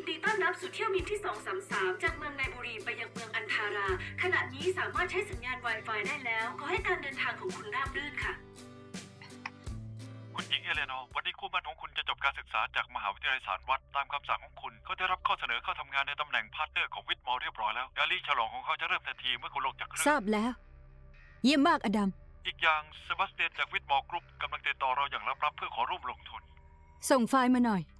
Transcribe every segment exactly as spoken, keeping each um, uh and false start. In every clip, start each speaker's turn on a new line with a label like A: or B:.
A: นดีต้อนรับสู่เที่ยวบินที่สองสามสามจากเมืองไนบุรีไปยังเมืองอันทารา ขณะนี้สามารถใช้สัญญาณ Wi-Fi ได้แล้ว ขอให้การเดินทางของคุณราบรื่นค่ะ
B: คุณหญิงเอเลนอร์วันนี้คู่หมั่นของคุณจะจบการศึกษาจากมหาวิทยาลัยสารวัตรตามคำสั่งของคุณเขาได้รับข้อเสนอเข้าทำงานในตำแหน่งพาร์ทเนอร์ของวิทมอลเรียบร้อยแล้วงานลีฉลองของเขาจะเริ่มทันทีเมื่อคุณลงจากเครื่
C: ทราบแล้ว เยี่ยมมากอดัม
B: อีกอย่างเซบาสเตียนจากวิทมอลกรุ๊ปกำลังติดต่อเราอย่างลับๆเพื่อขอร่วมลงทุน
C: ส่งไฟล์มาหน่อย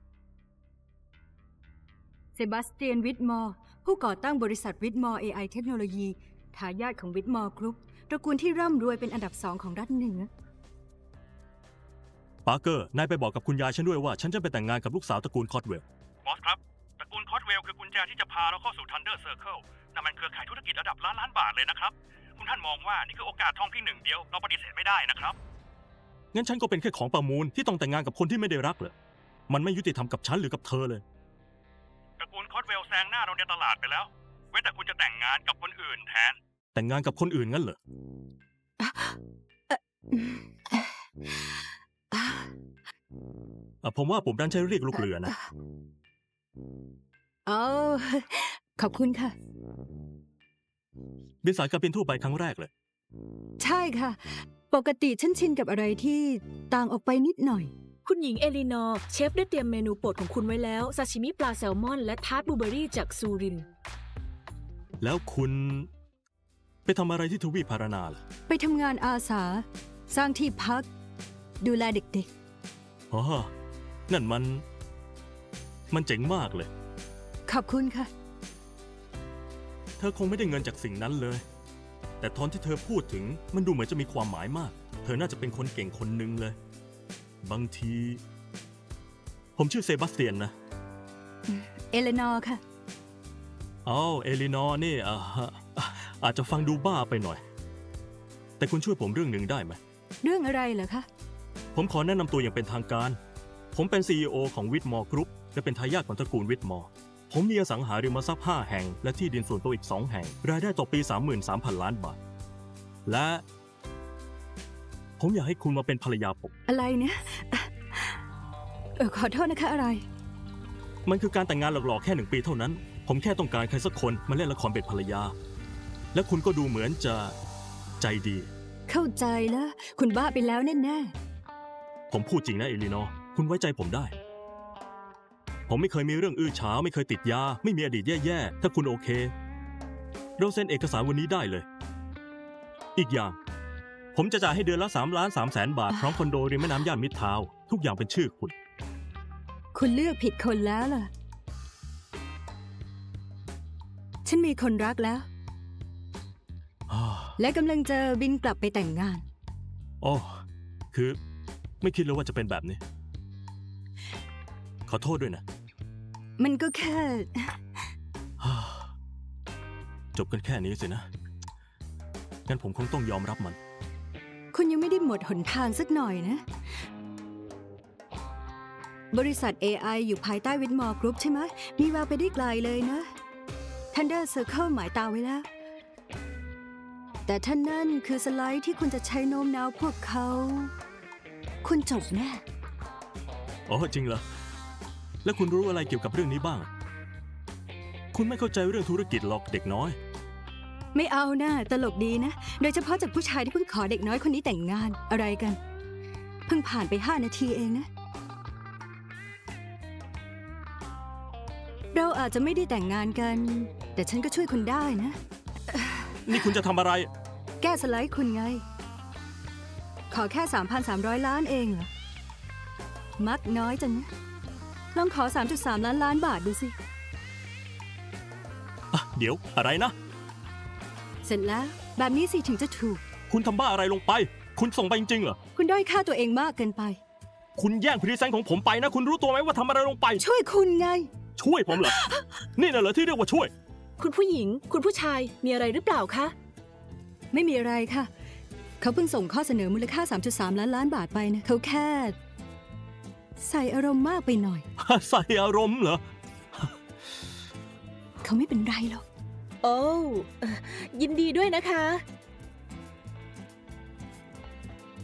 C: เซบาสเตียนวิทมอร์ผู้ก่อตั้งบริษัทวิทมอร์ เอ ไอ เทคโนโลยีทายาทของวิทมอร์กรุ๊ปตระกูลที่ร่ำรวยเป็นอันดับสองของรัฐเหนือ
D: ปาร์เกอร์นายไปบอกกับคุณยายฉันด้วยว่าฉันจะไปแต่งงานกับลูกสาวตระกูลคอตเวล
B: บอสครับตระกูลคอตเวลคือกุญแจที่จะพาเราเข้าสู่ทันเดอร์เซอร์เคิลนั่นมันเครือข่ายธุรกิจระดับล้านล้านบาทเลยนะครับคุณท่านมองว่านี่คือโอกาสทองที่หนึ่งเดียวเราปฏิเสธไม่ได้นะครับ
D: งั้นฉันก็เป็นแค่ของประมูลที่ต้องแต่งงานกับคนที่ไม่ได้รักเหรอมันไม่ยุติธรรมกับฉันหรือกับเธอเลย
B: ตระกูลคอตเวลแซงหน้าเราในตลาดไปแล้วเว้นแต่คุณจะแต่งงานกับคนอื่นแทน
D: แต่งงานกับคนอื่นงั้นเหรอผมว่าผมดันใช้เรียกลูกเรือนะ
C: อ๋อขอบคุณค่ะ
D: บินสายการบินทั่วไปครั้งแรกเลย
C: ใช่ค่ะปกติฉันชินกับอะไรที่ต่างออกไปนิดหน่อย
A: คุณหญิงเอลินอร์เชฟได้เตรียมเมนูโปรดของคุณไว้แล้วซาชิมิปลาแซลมอนและทาร์ตบลูเบอรี่จากซูริน
D: แล้วคุณไปทำอะไรที่ทวีปพารานาล่ะ
C: ไปทำงานอาสาสร้างที่พักดูแลเด็ก
D: ๆอ๋อนั่นมันมันเจ๋งมากเลย
C: ขอบคุณค่ะ
D: เธอคงไม่ได้เงินจากสิ่งนั้นเลยแต่ตอนที่เธอพูดถึงมันดูเหมือนจะมีความหมายมากเธอน่าจะเป็นคนเก่งคนหนึ่งเลยบางทีผมชื่อเซบาสเตียนนะ
C: เอเลนอร์ค่ะ
D: อ๋อเอลินอร์นี่อ่าอาจจะฟังดูบ้าไปหน่อยแต่คุณช่วยผมเรื่องหนึ่งได้ไหม
C: เรื่องอะไรเหรอคะ
D: ผมขอแนะนำตัวอย่างเป็นทางการผมเป็น ซี อี โอ ของวิทมอร์กรุ๊ปและเป็นทายาทของตระกูลวิทมอร์ผมมีอสังหาริมทรัพย์ห้าแห่งและที่ดินส่วนตัวอีกสองแห่งรายได้ต่อปี สามหมื่นสามพัน ล้านบาทและผมอยากให้คุณมาเป็นภรรยาผม
C: อะไรเนี่ยเออขอโทษนะคะอะไร
D: มันคือการแต่งงานหลอกๆแค่หนึ่งปีเท่านั้นผมแค่ต้องการใครสักคนมาเล่นละครเป็นภรรยาและคุณก็ดูเหมือนจะใจดี
C: เข้าใจแล้วคุณบ้าไปแล้วแน่
D: ๆผมพูดจริงนะเอลินอร์คุณไว้ใจผมได้ผมไม่เคยมีเรื่องอื้อฉาวไม่เคยติดยาไม่มีอดีตแย่ๆถ้าคุณโอเคเราเซ็นเอกสารวันนี้ได้เลยอีกอย่างผมจะจ่ายให้เดือนละสามล้านสามแสนบาทพร้อมคอนโดริมแม่น้ำย่านมิตรทาวน์ทุกอย่างเป็นชื่อคุณ
C: คุณเลือกผิดคนแล้วล่ะฉันมีคนรักแล้วและกำลังจะบินกลับไปแต่งงาน
D: อ๋อคือไม่คิดเลยว่าจะเป็นแบบนี้ขอโทษด้วยนะ
C: มันก็แค่
D: จบกันแค่นี้สินะงั้นผมคงต้องยอมรับมัน
C: คุณยังไม่ได้หมดหนทางสักหน่อยนะบริษัท เอ ไอ อยู่ภายใต้วิทมอร์กรุ๊ปใช่ไหมมีแววไปได้ไกลเลยนะ Thunder Circle หมายตาไว้แล้วแต่ท่านนั่นคือสไลด์ที่คุณจะใช้โน้มน้าวพวกเขาคุณจบแน่
D: อ๋อจริงเหรอแล้วคุณรู้อะไรเกี่ยวกับเรื่องนี้บ้างคุณไม่เข้าใจเรื่องธุรกิจหรอกเด็กน้อย
C: ไม่เอานะตลกดีนะโดยเฉพาะจากผู้ชายที่เพิ่งขอเด็กน้อยคนนี้แต่งงานอะไรกันเพิ่งผ่านไปห้านาทีเองนะเราอาจจะไม่ได้แต่งงานกันแต่ฉันก็ช่วยคุณได้นะ
D: นี่คุณจะทำอะไร
C: แก้สไลด์คุณไงขอแค่ สามพันสามร้อย ล้านเองเหรอมักน้อยจังนะลองขอ สามจุดสาม ล้านล้านบาทดูสิ
D: เดี๋ยวอะไรนะ
C: เสร็จแล้วแบบนี้สิถึงจะถูก
D: คุณทำบ้าอะไรลงไปคุณส่งไปจริงๆเหรอ
C: คุณด้อยค่าตัวเองมากเกินไป
D: คุณแย่งพรีเซนต์ของผมไปนะคุณรู้ตัวไหมว่าทำอะไรลงไป
C: ช่วยคุณไง
D: ช่วยผมเหรอ นี่น่ะเหรอที่เรียกว่าช่วย
A: คุณผู้หญิงคุณผู้ชายมีอะไรหรือเปล่าคะ
C: ไม่มีอะไรค่ะเขาเพิ่งส่งข้อเสนอมูลค่า สามจุดสาม ล้านล้านบาทไปนะเขาแค่ใส่อารมณ์มากไปหน่อย
D: ใส่อารมณ์เหรอ
C: เขาไม่เป็นไรหรอก
A: โอ้ยินดีด้วยนะคะ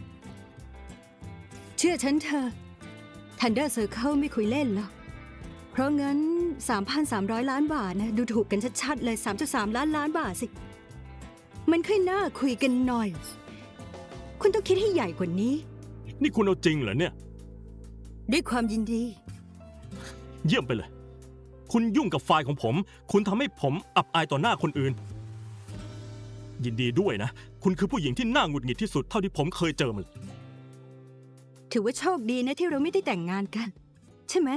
C: เชื่อฉันเถอะ Thunder Circle ไม่คุยเล่นหรอกราะงั้น สามพันสามร้อย ล้านบาทนะดูถูกกันชัดๆเลย สามจุดสาม ล้านล้านบาทสิ มันค่อยน่าคุยกันหน่อย คุณต้องคิดให้ใหญ่กว่านี้
D: นี่คุณเอาจริงเหรอเนี่ย
C: ด้วยความยินดี
D: เยี่ยมไปเลย คุณยุ่งกับไฟล์ของผม คุณทำให้ผมอับอายต่อหน้าคนอื่น ยินดีด้วยนะ คุณคือผู้หญิงที่น่าหงุดหงิดที่สุดเท่าที่ผมเคยเจอมาเลย
C: ถือว่าโชคดีนะที่เราไม่ได้แต่งงานกัน ใช่ไหม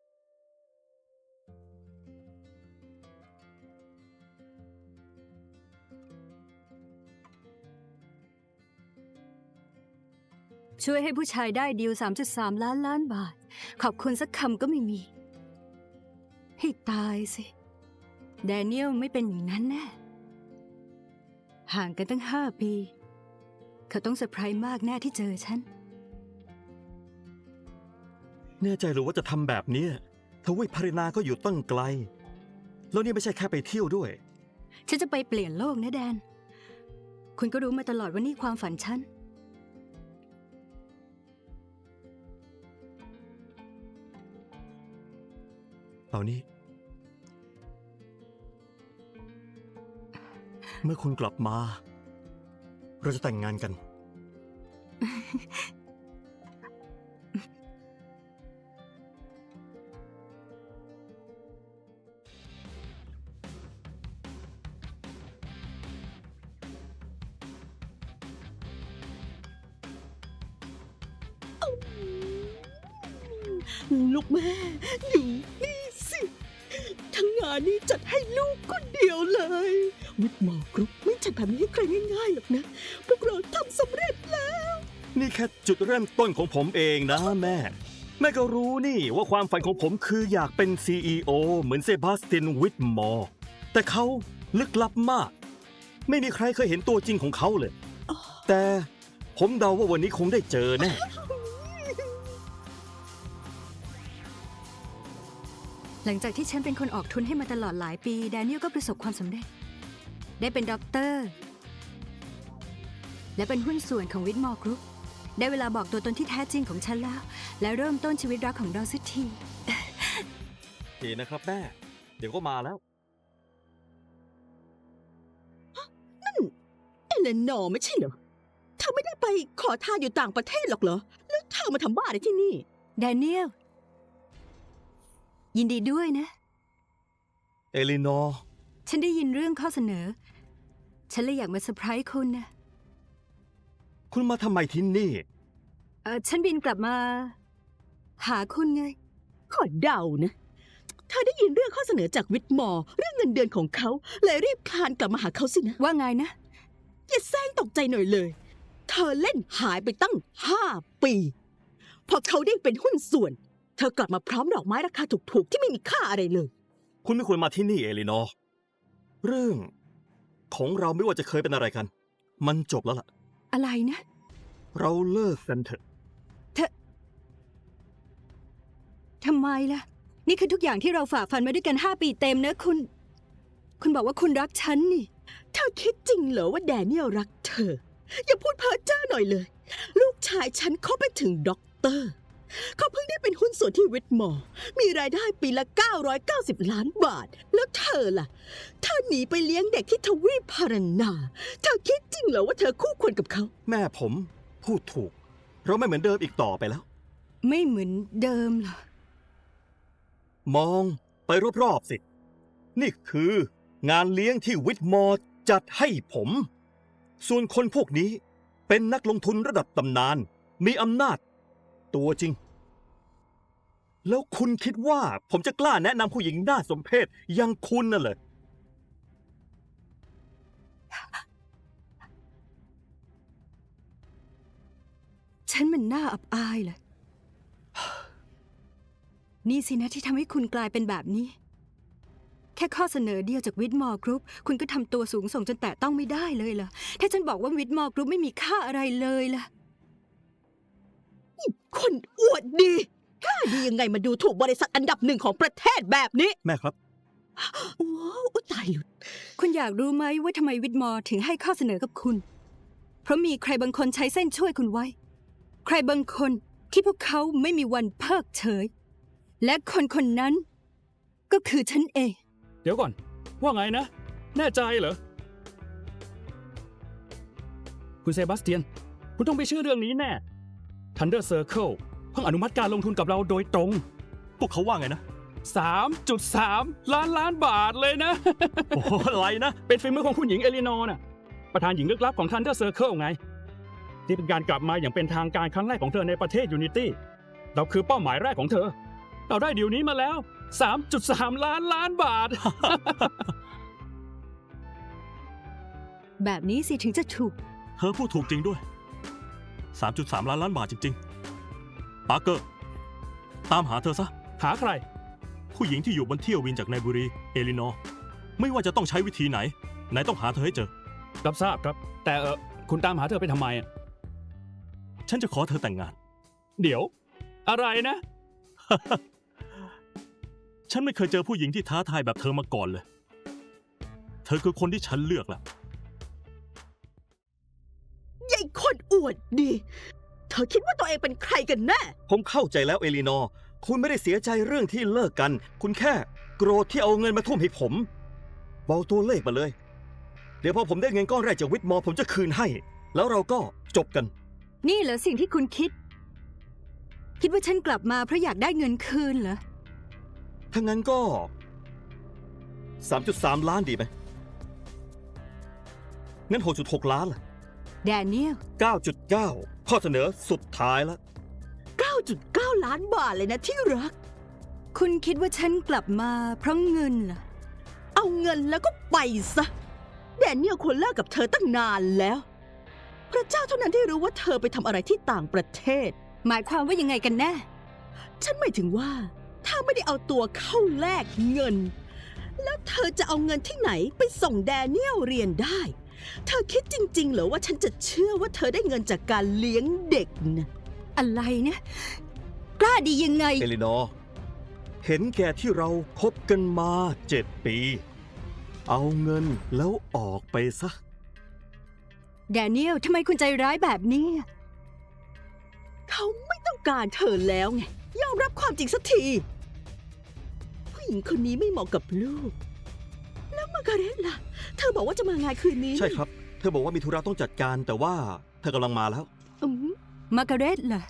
C: ช่วยให้ผู้ชายได้ดีล สามจุดสาม ล้านล้านบาท ขอบคุณสักคำก็ไม่มี ให้ตายสิแดเนียลไม่เป็นอย่างนั้นแน่ห่างกันตั้งห้าปี เขาต้องเซอร์ไพรส์มากแน่ที่เจอฉัน
E: แน่ใจหรือว่าจะทำแบบนี้ทวีปพารินาก็อยู่ตั้งไกล แล้วนี่ไม่ใช่แค่ไปเที่ยวด้วย
C: ฉันจะไปเปลี่ยนโลกนะแดน คุณก็รู้มาตลอดว่านี่ความฝันฉัน
E: เอานี่ เมื่อคุณกลับมา เราจะแต่งงานกัน
F: ลูกแม่ดูนี่สิ ทั้งงานนี้จัดให้ลูกคนเดียวเลย วิทมอร์กรุ๊ปไม่จัดแบบนี้ให้ใครง่ายๆหรอกนะ พวกเราทำสำเร็จแล้ว
E: นี่แค่จุดเริ่มต้นของผมเองนะแม่ แม่ก็รู้นี่ว่าความฝันของผมคืออยากเป็น ซี อี โอ เหมือนเซบาสเตียนวิทมอร์ แต่เขาลึกลับมาก ไม่มีใครเคยเห็นตัวจริงของเขาเลย แต่ผมเดาว่าวันนี้คงได้เจอแน่
C: หลังจากที่ฉันเป็นคนออกทุนให้มาตลอดหลายปีแดเนียลก็ประสบความสำเร็จ ได้เป็นด็อกเตอร์ และเป็นหุ้นส่วนของวิทมอร์กรุ๊ปได้เวลาบอกตัวตนที่แท้จริงของฉันแล้ว และเริ่มต้นชีวิตรักของเราสักที
E: ดีนะครับแม่ เดี๋ยวก็มาแล้ว
F: เอเลนอร์ไม่ใช่เหรอเธอไม่ได้ไปขอทานอยู่ต่างประเทศหรอกเหรอ แล้วเธอมาทำบ้าอะไรที่นี่
C: แดเนียล ยินดีด้วยนะ
E: เอลินอร์
C: ฉันได้ยินเรื่องข้อเสนอ ฉันเลยอยากมาเซอร์ไพรส์คุณนะ
E: คุณมาทำไมที่นี่
C: เออฉันบินกลับมา หาคุณไง
F: ขอเดานะ เธอได้ยินเรื่องข้อเสนอจากวิทมอร์เรื่องเงินเดือนของเขาเลยรีบคลานกลับมาหาเขาสินะ
C: ว่าไงนะ
F: อย่าแซงตกใจหน่อยเลย เธอเล่นหายไปตั้งห้าปี พอเขาได้เป็นหุ้นส่วน เธอกลับมาพร้อมดอกไม้ราคาถูกๆที่ไม่มีค่าอะไรเลย
E: คุณไม่ควรมาที่นี่เอลินอร์ เรื่องของเราไม่ว่าจะเคยเป็นอะไรกัน มันจบแล้วล่ะ
C: อะไรนะ
E: เราเลิกกันเถอะ
C: ทำไมล่ะ นี่คือทุกอย่างที่เราฝ่าฟันมาด้วยกันห้าปีเต็มนะคุณ คุณบอกว่าคุณรักฉันนี่
F: เธอคิดจริงเหรอว่าแดเนียลรักเธอ อย่าพูดเพ้อเจ้อหน่อยเลย ลูกชายฉันเขาไปถึงด็อกเตอร์ เขาเพิ่งได้เป็นหุ้นส่วนที่วิทมอร์มีรายได้ปีละเก้าร้อยเก้าสิบล้านบาท แล้วเธอล่ะ เธอหนีไปเลี้ยงเด็กที่ทวีปพารานา เธอคิดจริงเหรอว่าเธอคู่ควรกับเขา
E: แม่ผมพูดถูก เราไม่เหมือนเดิมอีกต่อไปแล้ว
C: ไม่เหมือนเดิมเหรอ
E: มองไปรอบๆสิ นี่คืองานเลี้ยงที่วิทมอร์จัดให้ผม ส่วนคนพวกนี้เป็นนักลงทุนระดับตำนาน มีอำนาจ ตัวจริง แล้วคุณคิดว่าผมจะกล้าแนะนำผู้หญิงน่าสมเพชอย่างคุณน่ะเหรอ
C: ฉันมันน่าอับอายเลย นี่สินะที่ทำให้คุณกลายเป็นแบบนี้ แค่ข้อเสนอเดียวจากวิทมอร์กรุ๊ปคุณก็ทำตัวสูงส่งจนแตะต้องไม่ได้เลยเหรอ ถ้าฉันบอกว่าวิทมอร์กรุ๊ปไม่มีค่าอะไรเลยล่ะ
F: คนอวดดีกล้าดียังไงมาดูถูกบริษัทอันดับหนึ่งของประเทศแบบนี้
E: แม่ครับ
F: โอ้โอ้ตายหลุด
C: คุณอยากรู้ไหมว่าทำไมวิทมอร์ถึงให้ข้อเสนอกับคุณ เพราะมีใครบางคนใช้เส้นช่วยคุณไว้ ใครบางคนที่พวกเขาไม่มีวันเพิกเฉย และคนคนนั้นก็คือฉันเอง
G: เดี๋ยวก่อน ว่าไงนะ แน่ใจเหรอ คุณเซบาสเตียน คุณต้องไปเชื่อเรื่องนี้แน่ Thunder Circle เพิ่งอนุมัติการลงทุนกับเราโดยตรง
D: พวกเขาว่าไงนะ
G: สามจุดสาม ล้านล้านบาทเลยนะ
D: โอ้โหอะไรนะ
G: เป็นฝีมือของคุณหญิงเอลินอร์น่ะ ประธานหญิงลึกลับของ Thunder Circle ไง ที่เป็นการกลับมาอย่างเป็นทางการครั้งแรกของเธอในประเทศ Unity เราคือเป้าหมายแรกของเธอ เราได้ดีลนี้มาแล้ว สามจุดสาม ล้านล้านบาท
C: แบบนี้สิถึงจะถูก
D: เธอพูดถูกจริงด้วย สามจุดสาม ล้านล้านบาทจริงๆ ปาร์เกอร์ ตามหาเธอซะ
G: หาใคร
D: ผู้หญิงที่อยู่บนเที่ยววินจากไนบุรี เอลินอร์ ไม่ว่าจะต้องใช้วิธีไหน ไหนต้องหาเธอให้เจอ
G: รับทราบครับ แต่เออคุณตามหาเธอไปทำไมอะ
D: ฉันจะขอเธอแต่งงาน
G: เดี๋ยว อะไรนะ
D: ฉันไม่เคยเจอผู้หญิงที่ท้าทายแบบเธอมาก่อนเลย เธอคือคนที่ฉันเลือกแล้ว
F: ยายคนอวดดี เธอคิดว่าตัวเองเป็นใครกันแน่
E: ผมเข้าใจแล้วเอลีนอร์ คุณไม่ได้เสียใจเรื่องที่เลิกกัน คุณแค่โกรธที่เอาเงินมาทุ่มให้ผม บอกตัวเลขมาเลย เดี๋ยวพอผมได้เงินก้อนแรกจากวิทมอร์ผมจะคืนให้ แล้วเราก็จบกัน
C: นี่เหรอสิ่งที่คุณคิด คิดว่าฉันกลับมาเพราะอยากได้เงินคืนเหรอ
E: ถ้างั้นก็ สามจุดสาม ล้านดีไหม งั้น หกจุดหก ล้านล่ะ
C: แดเนียล
E: เก้าจุดเก้า ข้อเสนอสุดท้ายแล้ว
F: เก้าจุดเก้า ล้านบาทเลยนะที่รัก
C: คุณคิดว่าฉันกลับมาเพราะเงินเหรอ
F: เอาเงินแล้วก็ไปซะ แดเนียลควรเลิกกับเธอตั้งนานแล้ว พระเจ้าเท่านั้นที่รู้ว่าเธอไปทำอะไรที่ต่างประเทศ
C: หมายความว่ายังไงกันแน่
F: ฉันหมายถึงว่า ถ้าไม่ได้เอาตัวเข้าแลกเงิน แล้วเธอจะเอาเงินที่ไหนไปส่งแดเนียลเรียนได้ เธอคิดจริงๆเหรอว่าฉันจะเชื่อว่าเธอได้เงินจากการเลี้ยงเด็กนะ
C: อะไรเนี่ย กล้าดียังไง
E: เอลินอร์ เห็นแก่ที่เราคบกันมาเจ็ดปี เอาเงินแล้วออกไปซะ
C: แดเนียลทำไมคุณใจร้ายแบบนี้
F: เขาไม่ต้องการเธอแล้วไง ยอมรับความจริงสักที ผู้หญิงคนนี้ไม่เหมาะกับลูก แล้วมาการ์เร็ตล่ะ เธอบอกว่าจะมางานคืนนี้
E: ใช่ครับ เธอบอกว่ามีธุระต้องจัดการ แต่ว่าเธอกำลังมาแล้ว
F: อืม
C: มาร์กาเร็ตเหรอ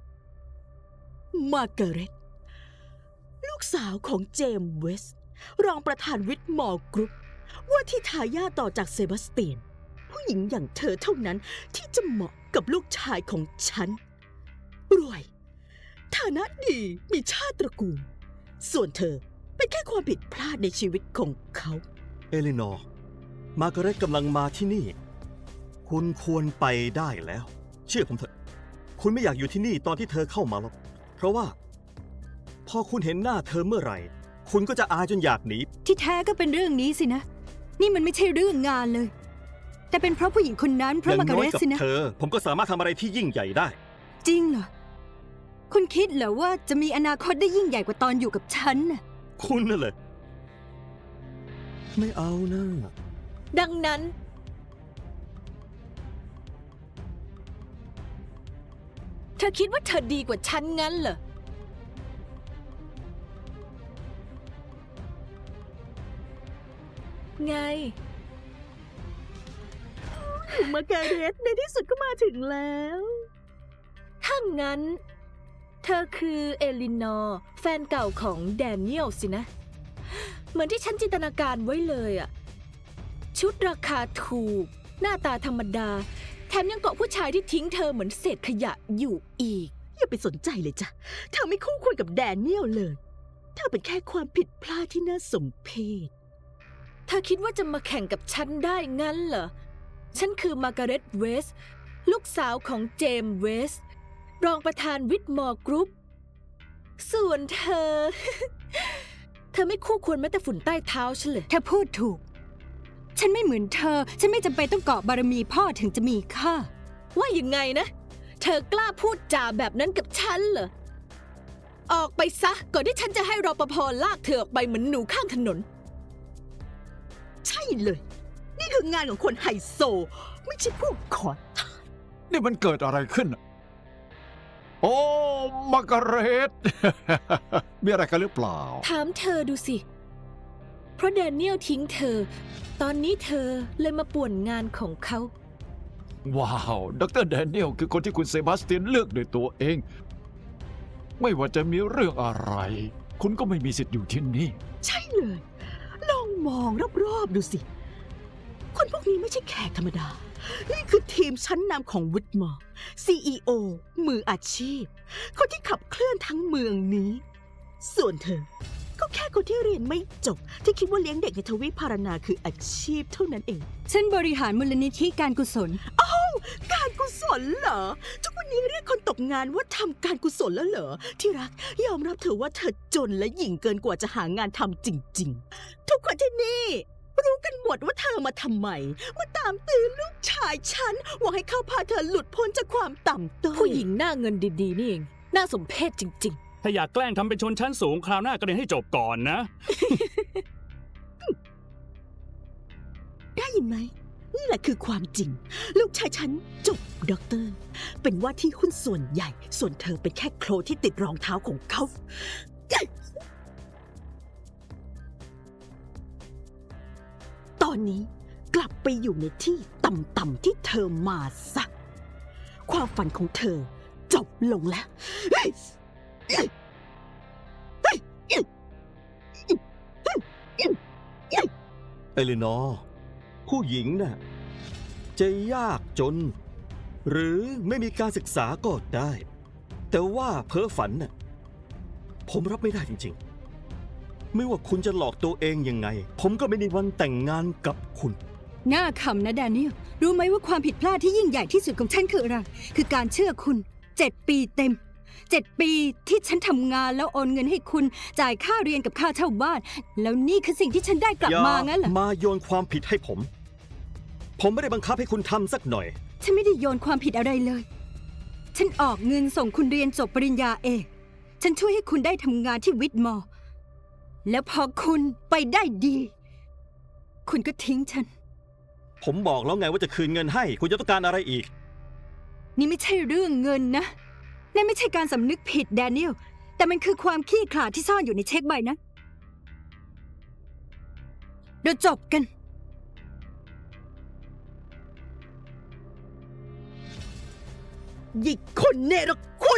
F: มาการ์เร็ตลูกสาวของเจมส์เวสต์รองประธานวิทมอร์กรุ๊ปว่าที่ทายาทต่อจากเซบาสเตียน ผู้หญิงอย่างเธอเท่านั้นที่จะเหมาะกับลูกชายของฉัน รวย ฐานะดี มีชาติตระกูล ส่วนเธอเป็นแค่ความผิดพลาดในชีวิตของเขา
E: เอลินอร์ มาร์กาเร็ตกำลังมาที่นี่ คุณควรไปได้แล้ว เชื่อผมเถอะ คุณไม่อยากอยู่ที่นี่ตอนที่เธอเข้ามาหรอก เพราะว่า พอคุณเห็นหน้าเธอเมื่อไหร่ คุณก็จะอายจนอยากหนี
C: ที่แท้ก็เป็นเรื่องนี้สินะ นี่มันไม่ใช่เรื่องงานเลย แต่เป็นเพราะผู้หญิงคนนั้นเพ
E: อ
C: ราะ
E: ย่าง
C: มาร์กา
E: น้อย
C: เร็ต
E: กับ
C: สินะ
E: เธอ ผมก็สามารถทำอะไรที่ยิ่งใหญ่ได้
C: จริงเหรอ คุณคิดเหรอว่าจะมีอนาคตได้ยิ่งใหญ่กว่าตอนอยู่กับฉันน่ะ
E: คุณนั่นเลยไม่เอานะ
F: ดังนั้น เธอคิดว่าเธอดีกว่าฉันงั้นเหรอ ไง มาการเร็ตในที่สุดก็มาถึงแล้ว ถ้างั้น เธอคือเอลินอร์แฟนเก่าของแดเนียลสินะ เหมือนที่ฉันจินตนาการไว้เลยอะชุดราคาถูก หน้าตาธรรมดา แถมยังเกาะผู้ชายที่ทิ้งเธอเหมือนเศษขยะอยู่อีก อย่าไปสนใจเลยจ้ะ เธอไม่คู่ควรกับแดเนียลเลย เธอเป็นแค่ความผิดพลาดที่น่าสมเพชเธอคิดว่าจะมาแข่งกับฉันได้งั้นเหรอ ฉันคือมาร์กาเร็ตเวสต์ลูกสาวของเจมส์เวสต์รองประธานวิทมอร์กรุ๊ป ส่วนเธอ เธอไม่คู่ควรแม้แต่ฝุ่นใต้เท้าฉันเลย
C: เธอพูดถูก ฉันไม่เหมือนเธอ ฉันไม่จำเป็นต้องเกาะบารมีพ่อถึงจะมีค่า
F: ว่ายังไงนะ เธอกล้าพูดจาแบบนั้นกับฉันเหรอ ออกไปซะ ก่อนที่ฉันจะให้รปภลากเธอออกไปเหมือนหนูข้างถนน ใช่เลย นี่คืองานของคนไฮโซ ไม่ใช่พวกขอทาน
H: นี่มันเกิดอะไรขึ้นน่ะโอ้มาร์กาเร็ต มีอะไรกันหรือเปล่า
I: ถามเธอดูสิ เพราะแดเนียลทิ้งเธอ ตอนนี้เธอเลยมาป่วนงานของเขา
H: ว้าว ดรแดเนียลคือคนที่คุณเซบาสเตียนเลือกโดยตัวเอง ไม่ว่าจะมีเรื่องอะไร คุณก็ไม่มีสิทธิ์อยู่ที่นี่
F: ใช่เลย ลองมองรอบๆดูสิ คนพวกนี้ไม่ใช่แขกธรรมดา นี่คือทีมชั้นนำของวิทมอร์ ซี อี โอ มืออาชีพ คนที่ขับเคลื่อนทั้งเมืองนี้ ส่วนเธอ ก็แค่คนที่เรียนไม่จบ ที่คิดว่าเลี้ยงเด็กในทวีปพารานาคืออาชีพเท่านั้นเอง
C: ฉันบริหารมูลนิธิการกุศล
F: การกุศลเหรอ ทุกวันนี้เรียกคนตกงานว่าทำการกุศลแล้วเหรอ ที่รักยอมรับเถอะว่าเธอจนและหยิ่งเกินกว่าจะหางานทำจริงๆ ทุกคนที่นี่ รู้กันหมดว่าเธอมาทำไม มาตามตื้อลูกชายฉันหวังให้เขาพาเธอหลุดพ้นจากความต่ำต้อย
I: ผู้หญิงหน้าเงินดีๆ นี่เอง น่าสมเพชจริง
G: ถ้าอยากแกล้งทำเป็นชนชั้นสูงคราวหน้าก็เรียนให้จบก่อนนะ
F: ได้ยินไหม นี่แหละคือความจริง ลูกชายฉันจบด็อกเตอร์ เป็นว่าที่หุ้นส่วนใหญ่ ส่วนเธอเป็นแค่โคลนที่ติดรองเท้าของเขา ตอนนี้กลับไปอยู่ในที่ต่ำๆที่เธอมาซะความฝันของเธอจบลงแล้ว
E: เอลินอร์ผู้หญิงน่ะจะยากจน หรือไม่มีการศึกษาก็ได้ แต่ว่าเพ้อฝันน่ะผมรับไม่ได้จริงๆ ไม่ว่าคุณจะหลอกตัวเองยังไง ผมก็ไม่มีวันแต่งงานกับคุณ
C: น่าขำนะแดเนียล รู้ไหมว่าความผิดพลาดที่ยิ่งใหญ่ที่สุดของฉันคืออะไร คือการเชื่อคุณเจ็ดปีเต็มเจ็ดปีที่ฉันทำงานแล้วโอนเงินให้คุณจ่ายค่าเรียนกับค่าเช่าบ้าน แล้วนี่คือสิ่งที่ฉันได้กลับมางั้นเหรอ
E: มาโยนความผิดให้ผม ผมไม่ได้บังคับให้คุณทำสักหน่อย
C: ฉันไม่ได้โยนความผิดอะไรเลย ฉันออกเงินส่งคุณเรียนจบปริญญาเอกฉันช่วยให้คุณได้ทำงานที่วิทมอร์แล้วพอคุณไปได้ดี คุณก็ทิ้งฉัน
E: ผมบอกแล้วไงว่าจะคืนเงินให้ คุณจะต้องการอะไรอีก
C: นี่ไม่ใช่เรื่องเงินนะนั่นไม่ใช่การสำนึกผิดแดเนียล แต่มันคือความขี้ขลาดที่ซ่อนอยู่ในเช็คใบนั้นเราจบกัน
F: หยิกคนเนรคุณ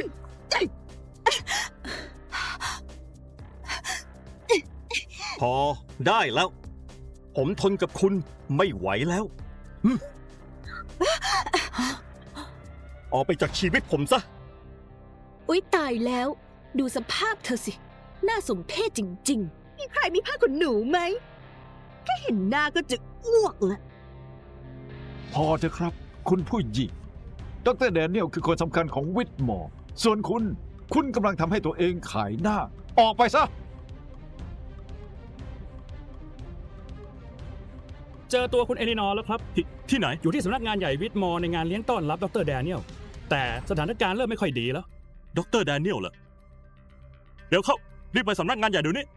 E: พอได้แล้ว ผมทนกับคุณไม่ไหวแล้วหึออกไปจากชีวิตผมซะ
I: ๆ อุ๊ยตายแล้ว ดูสภาพเธอสิ น่าสมเพชจริง
F: มีใครมีผ้าขนหนูไหม แค่เห็นหน้าก็จะอ้วกละ
H: พอเถอะครับ คุณผู้หญิง ดรแดเนียลคือคนสำคัญของวิทมอร์ ส่วนคุณ คุณกำลังทำให้ตัวเองขายหน้า ออกไปซะ
G: เจอตัวคุณเอลินอร์แล้วครับ
D: ที่ที่ไหน
G: อยู่ที่สำนักงานใหญ่วิทมอร์ในงานเลี้ยงต้อนรับดรแดเนียล แต่สถานการณ์เริ่มไม่ค่อยดีแล้ว
D: ดรแดเนียลเหรอเดี๋ยวเข้า รีบไปสำนักงานใหญ่เดี๋ยวนี้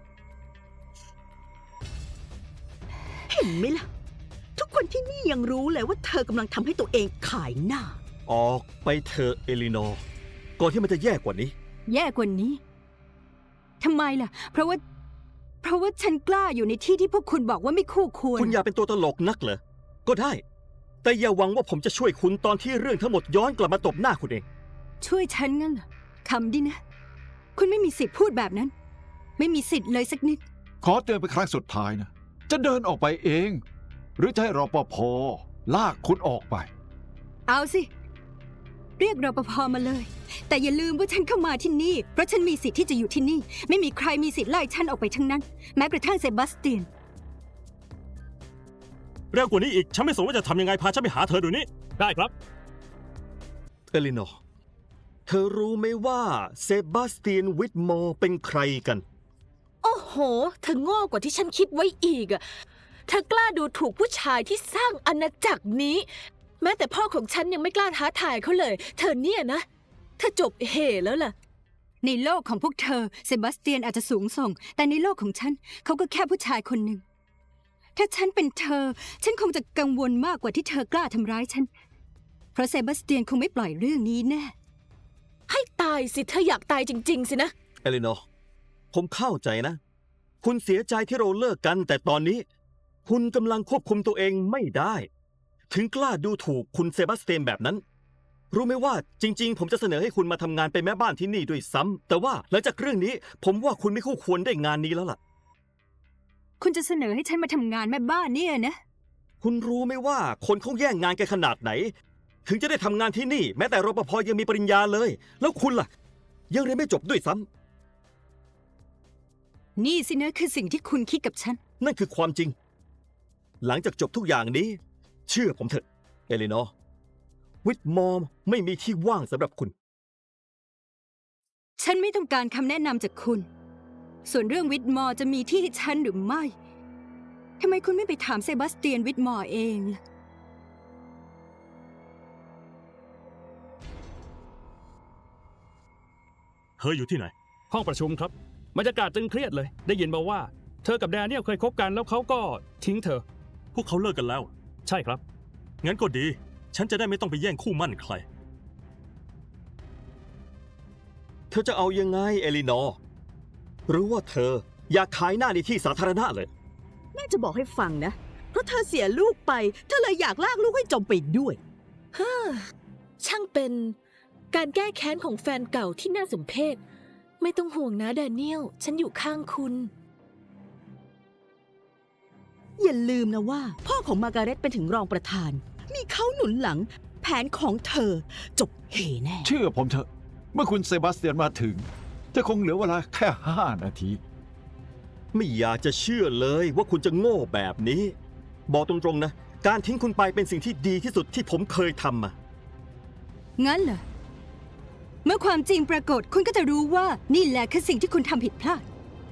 F: เห็นไหมล่ะ ทุกคนที่นี่ยังรู้เลยว่าเธอกำลังทำให้ตัวเองขายหน้า
E: ออกไปเถอะเอลินอร์ก่อนที่มันจะแย่กว่านี้
C: แย่กว่านี้ทำไมล่ะ เพราะว่า เพราะว่าฉันกล้าอยู่ในที่ที่พวกคุณบอกว่าไม่คู่ควร
E: คุณอยากเป็นตัวตลกนักเหรอ ก็ได้ แต่อย่าหวังว่าผมจะช่วยคุณตอนที่เรื่องทั้งหมดย้อนกลับมาตบหน้าคุณเอง
C: ช่วยฉันงั้นเหรอคำดินะ คุณไม่มีสิทธิ์พูดแบบนั้น ไม่มีสิทธิ์เลยสักนิด
H: ขอเตือนเป็นครั้งสุดท้ายนะ จะเดินออกไปเอง หรือจะให้รปภลากคุณออกไป
C: เอาสิ เรียกรปภมาเลย แต่อย่าลืมว่าฉันเข้ามาที่นี่ เพราะฉันมีสิทธิ์ที่จะอยู่ที่นี่ ไม่มีใครมีสิทธิ์ไล่ฉันออกไปทั้งนั้น แม้กระทั่งเซบาสเตียน
D: เร็วกว่านี้อีก ฉันไม่สนว่าจะทำยังไง พาฉันไปหาเธอเดี๋ยวนี้
G: ได้ครับ
E: เอลินอร์เธอรู้ไหมว่าเซบาสเตียนวิทมอร์เป็นใครกัน
I: ๆ โอ้โห เธอโง่กว่าที่ฉันคิดไว้อีกอะเธอกล้าดูถูกผู้ชายที่สร้างอาณาจักรนี้ แม้แต่พ่อของฉันยังไม่กล้าท้าทายเขาเลย เธอเนี่ยนะ เธอจบเหแล้วล่ะ
C: ในโลกของพวกเธอเซบาสเตียนอาจจะสูงส่ง แต่ในโลกของฉันเขาก็แค่ผู้ชายคนหนึ่ง ถ้าฉันเป็นเธอ ฉันคงจะกังวลมากกว่าที่เธอกล้าทำร้ายฉัน เพราะเซบาสเตียนคงไม่ปล่อยเรื่องนี้แน่
I: ให้ตายสิเธออยากตายจริง ๆ สินะ
E: เอลินอร์ผมเข้าใจนะ คุณเสียใจที่เราเลิกกัน แต่ตอนนี้ คุณกำลังควบคุมตัวเองไม่ได้ ถึงกล้าดูถูกคุณเซบาสเตียนแบบนั้น รู้ไหมว่าจริง ๆ ผมจะเสนอให้คุณมาทำงานเป็นแม่บ้านที่นี่ด้วยซ้ำแต่ว่าหลังจากเรื่องนี้ ผมว่าคุณไม่คู่ควรได้งานนี้แล้วล่ะ
C: คุณจะเสนอให้ฉันมาทำงานแม่บ้านเนี่ยนะ
E: คุณรู้ไหมว่าคนเขาแย่งงานกันขนาดไหน ถึงจะได้ทำงานที่นี่ แม้แต่รปภยังมีปริญญาเลย แล้วคุณล่ะ ยังเรียนไม่จบด้วยซ้ำ
C: นี่สินะคือสิ่งที่คุณคิดกับฉัน
E: นั่นคือความจริง หลังจากจบทุกอย่างนี้ เชื่อผมเถอะ เอลินอร์วิทมอร์ไม่มีที่ว่างสำหรับคุณ
C: ฉันไม่ต้องการคำแนะนำจากคุณ ส่วนเรื่องวิทมอร์จะมีที่ให้ฉันหรือไม่ทำไมคุณไม่ไปถามเซบาสเตียนวิทมอร์เองล่ะ
D: เธออยู่ที่ไหน
G: ห้องประชุมครับบรรยากาศตึงเครียดเลย ได้ยินมาว่า เธอกับแดเนียลเคยคบกันแล้วเขาก็ทิ้งเธอ
D: พวกเขาเลิกกันแล้ว
G: ใช่ครับ
D: งั้นก็ดี ฉันจะได้ไม่ต้องไปแย่งคู่มั่นใคร
E: เธอจะเอายังไงเอลินอร์หรือว่าเธออยากขายหน้าในที่สาธารณะเลย
F: แม่จะบอกให้ฟังนะ เพราะเธอเสียลูกไป เธอเลยอยากลากลูกให้จมไปด้วย
I: ฮ่าช่างเป็นการแก้แค้นของแฟนเก่าที่น่าสมเพช ไม่ต้องห่วงนะแดเนียล ฉันอยู่ข้างคุณ
F: อย่าลืมนะว่า พ่อของมาร์การเร็ตเป็นถึงรองประธาน มีเขาหนุนหลัง แผนของเธอจบเหแน่
H: เชื่อผมเถอะ เมื่อคุณเซบาสเตียนมาถึง จะคงเหลือเวลาแค่ห้านาที
E: ไม่อยากจะเชื่อเลยว่าคุณจะโง่แบบนี้ บอกตรงๆนะ การทิ้งคุณไปเป็นสิ่งที่ดีที่สุดที่ผมเคยทำมา
C: งั้นเหรอ เมื่อความจริงปรากฏคุณก็จะรู้ว่านี่แหละคือสิ่งที่คุณทำผิดพลาด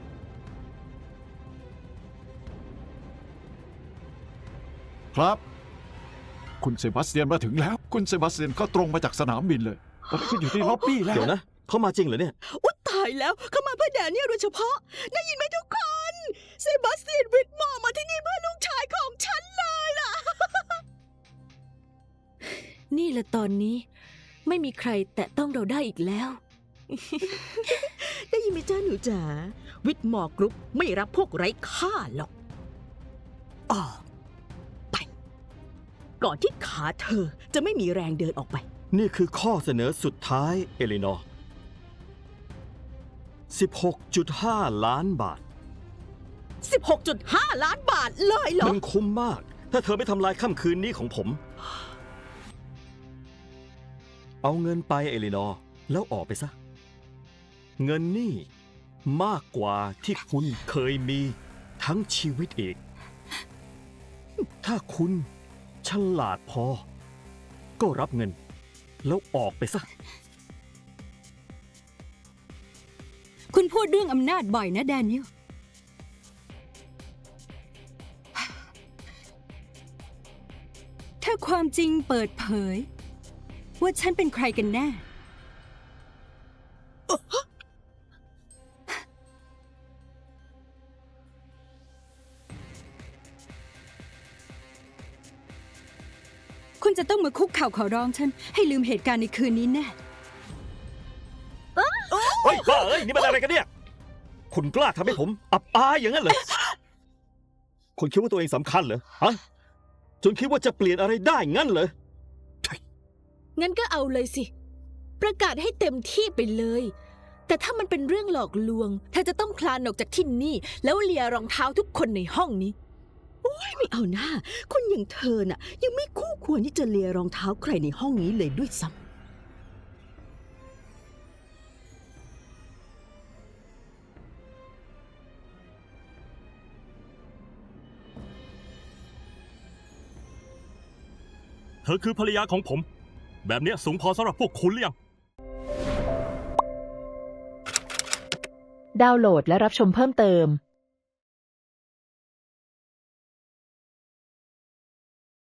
H: ครับ คุณเซบาสเตียนมาถึงแล้ว คุณเซบาสเตียนก็ตรงมาจากสนามบินเลยตอนนี้คุณอยู่ที่ล็อบบี้แล้ว
E: เดี๋ยวนะ เขามาจริงเหรอเนี่ย
F: อุ๊ยตายแล้วเขามาเพื่อแดเนียลโดยเฉพาะ ได้ยินไหมทุกคน เซบาสเตียนวิทมอร์มาที่นี่เพื่อลูกชายของฉันเลยล่ะ
I: นี่แหละตอนนี้ ไม่มีใครแตะต้องเราได้อีกแล้ว
F: ได้ยินไหมจ้าหนูจ๋า วิทมอร์กรุ๊ปไม่รับพวกไร้ค่าหรอกออกไป ก่อนที่ขาเธอจะไม่มีแรงเดินออกไป
E: นี่คือข้อเสนอสุดท้ายเอลินอร์ สิบหกจุดห้า ล้านบาท
F: สิบหกจุดห้า ล้านบาทเลยเหรอ
E: มันคุ้มมาก ถ้าเธอไม่ทำลายค่ำคืนนี้ของผม เอาเงินไปเอลินอร์ แล้วออกไปซะ เงินนี่มากกว่าที่คุณเคยมีทั้งชีวิตอีก ถ้าคุณฉลาดพอ ก็รับเงิน แล้วออกไปซะ
C: คุณพูดเรื่องอำนาจบ่อยนะแดเนียล ถ้าความจริงเปิดเผย ว่าฉันเป็นใครกันแน่ คุณจะต้องมาคุกเข่าขอร้องฉัน ให้ลืมเหตุการณ์ในคืนนี้แน่
E: เฮ้ยบ้าเอ้ย นี่มันอะไรกันเนี่ย คุณกล้าทำให้ผมอับอายอย่างนั้นเหรอ คุณคิดว่าตัวเองสำคัญเหรอ ฮะ จนคิดว่าจะเปลี่ยนอะไรได้งั้นเหรอ
I: งั้นก็เอาเลยสิ ประกาศให้เต็มที่ไปเลย แต่ถ้ามันเป็นเรื่องหลอกลวงเธอจะต้องคลานออกจากที่นี่ แล้วเลียรองเท้าทุกคนในห้องนี้
F: ไม่เอาหน้า คนอย่างเธอน่ะ ยังไม่คู่ควรที่จะเลียรองเท้าใครในห้องนี้เลยด้วยซ้ำ
D: เธอคือภรรยาของผม แบบเนี้ยสูงพอสำหรับพวกคุณหรือยัง
J: ดาวน์โหลดและรับชมเพิ่มเติม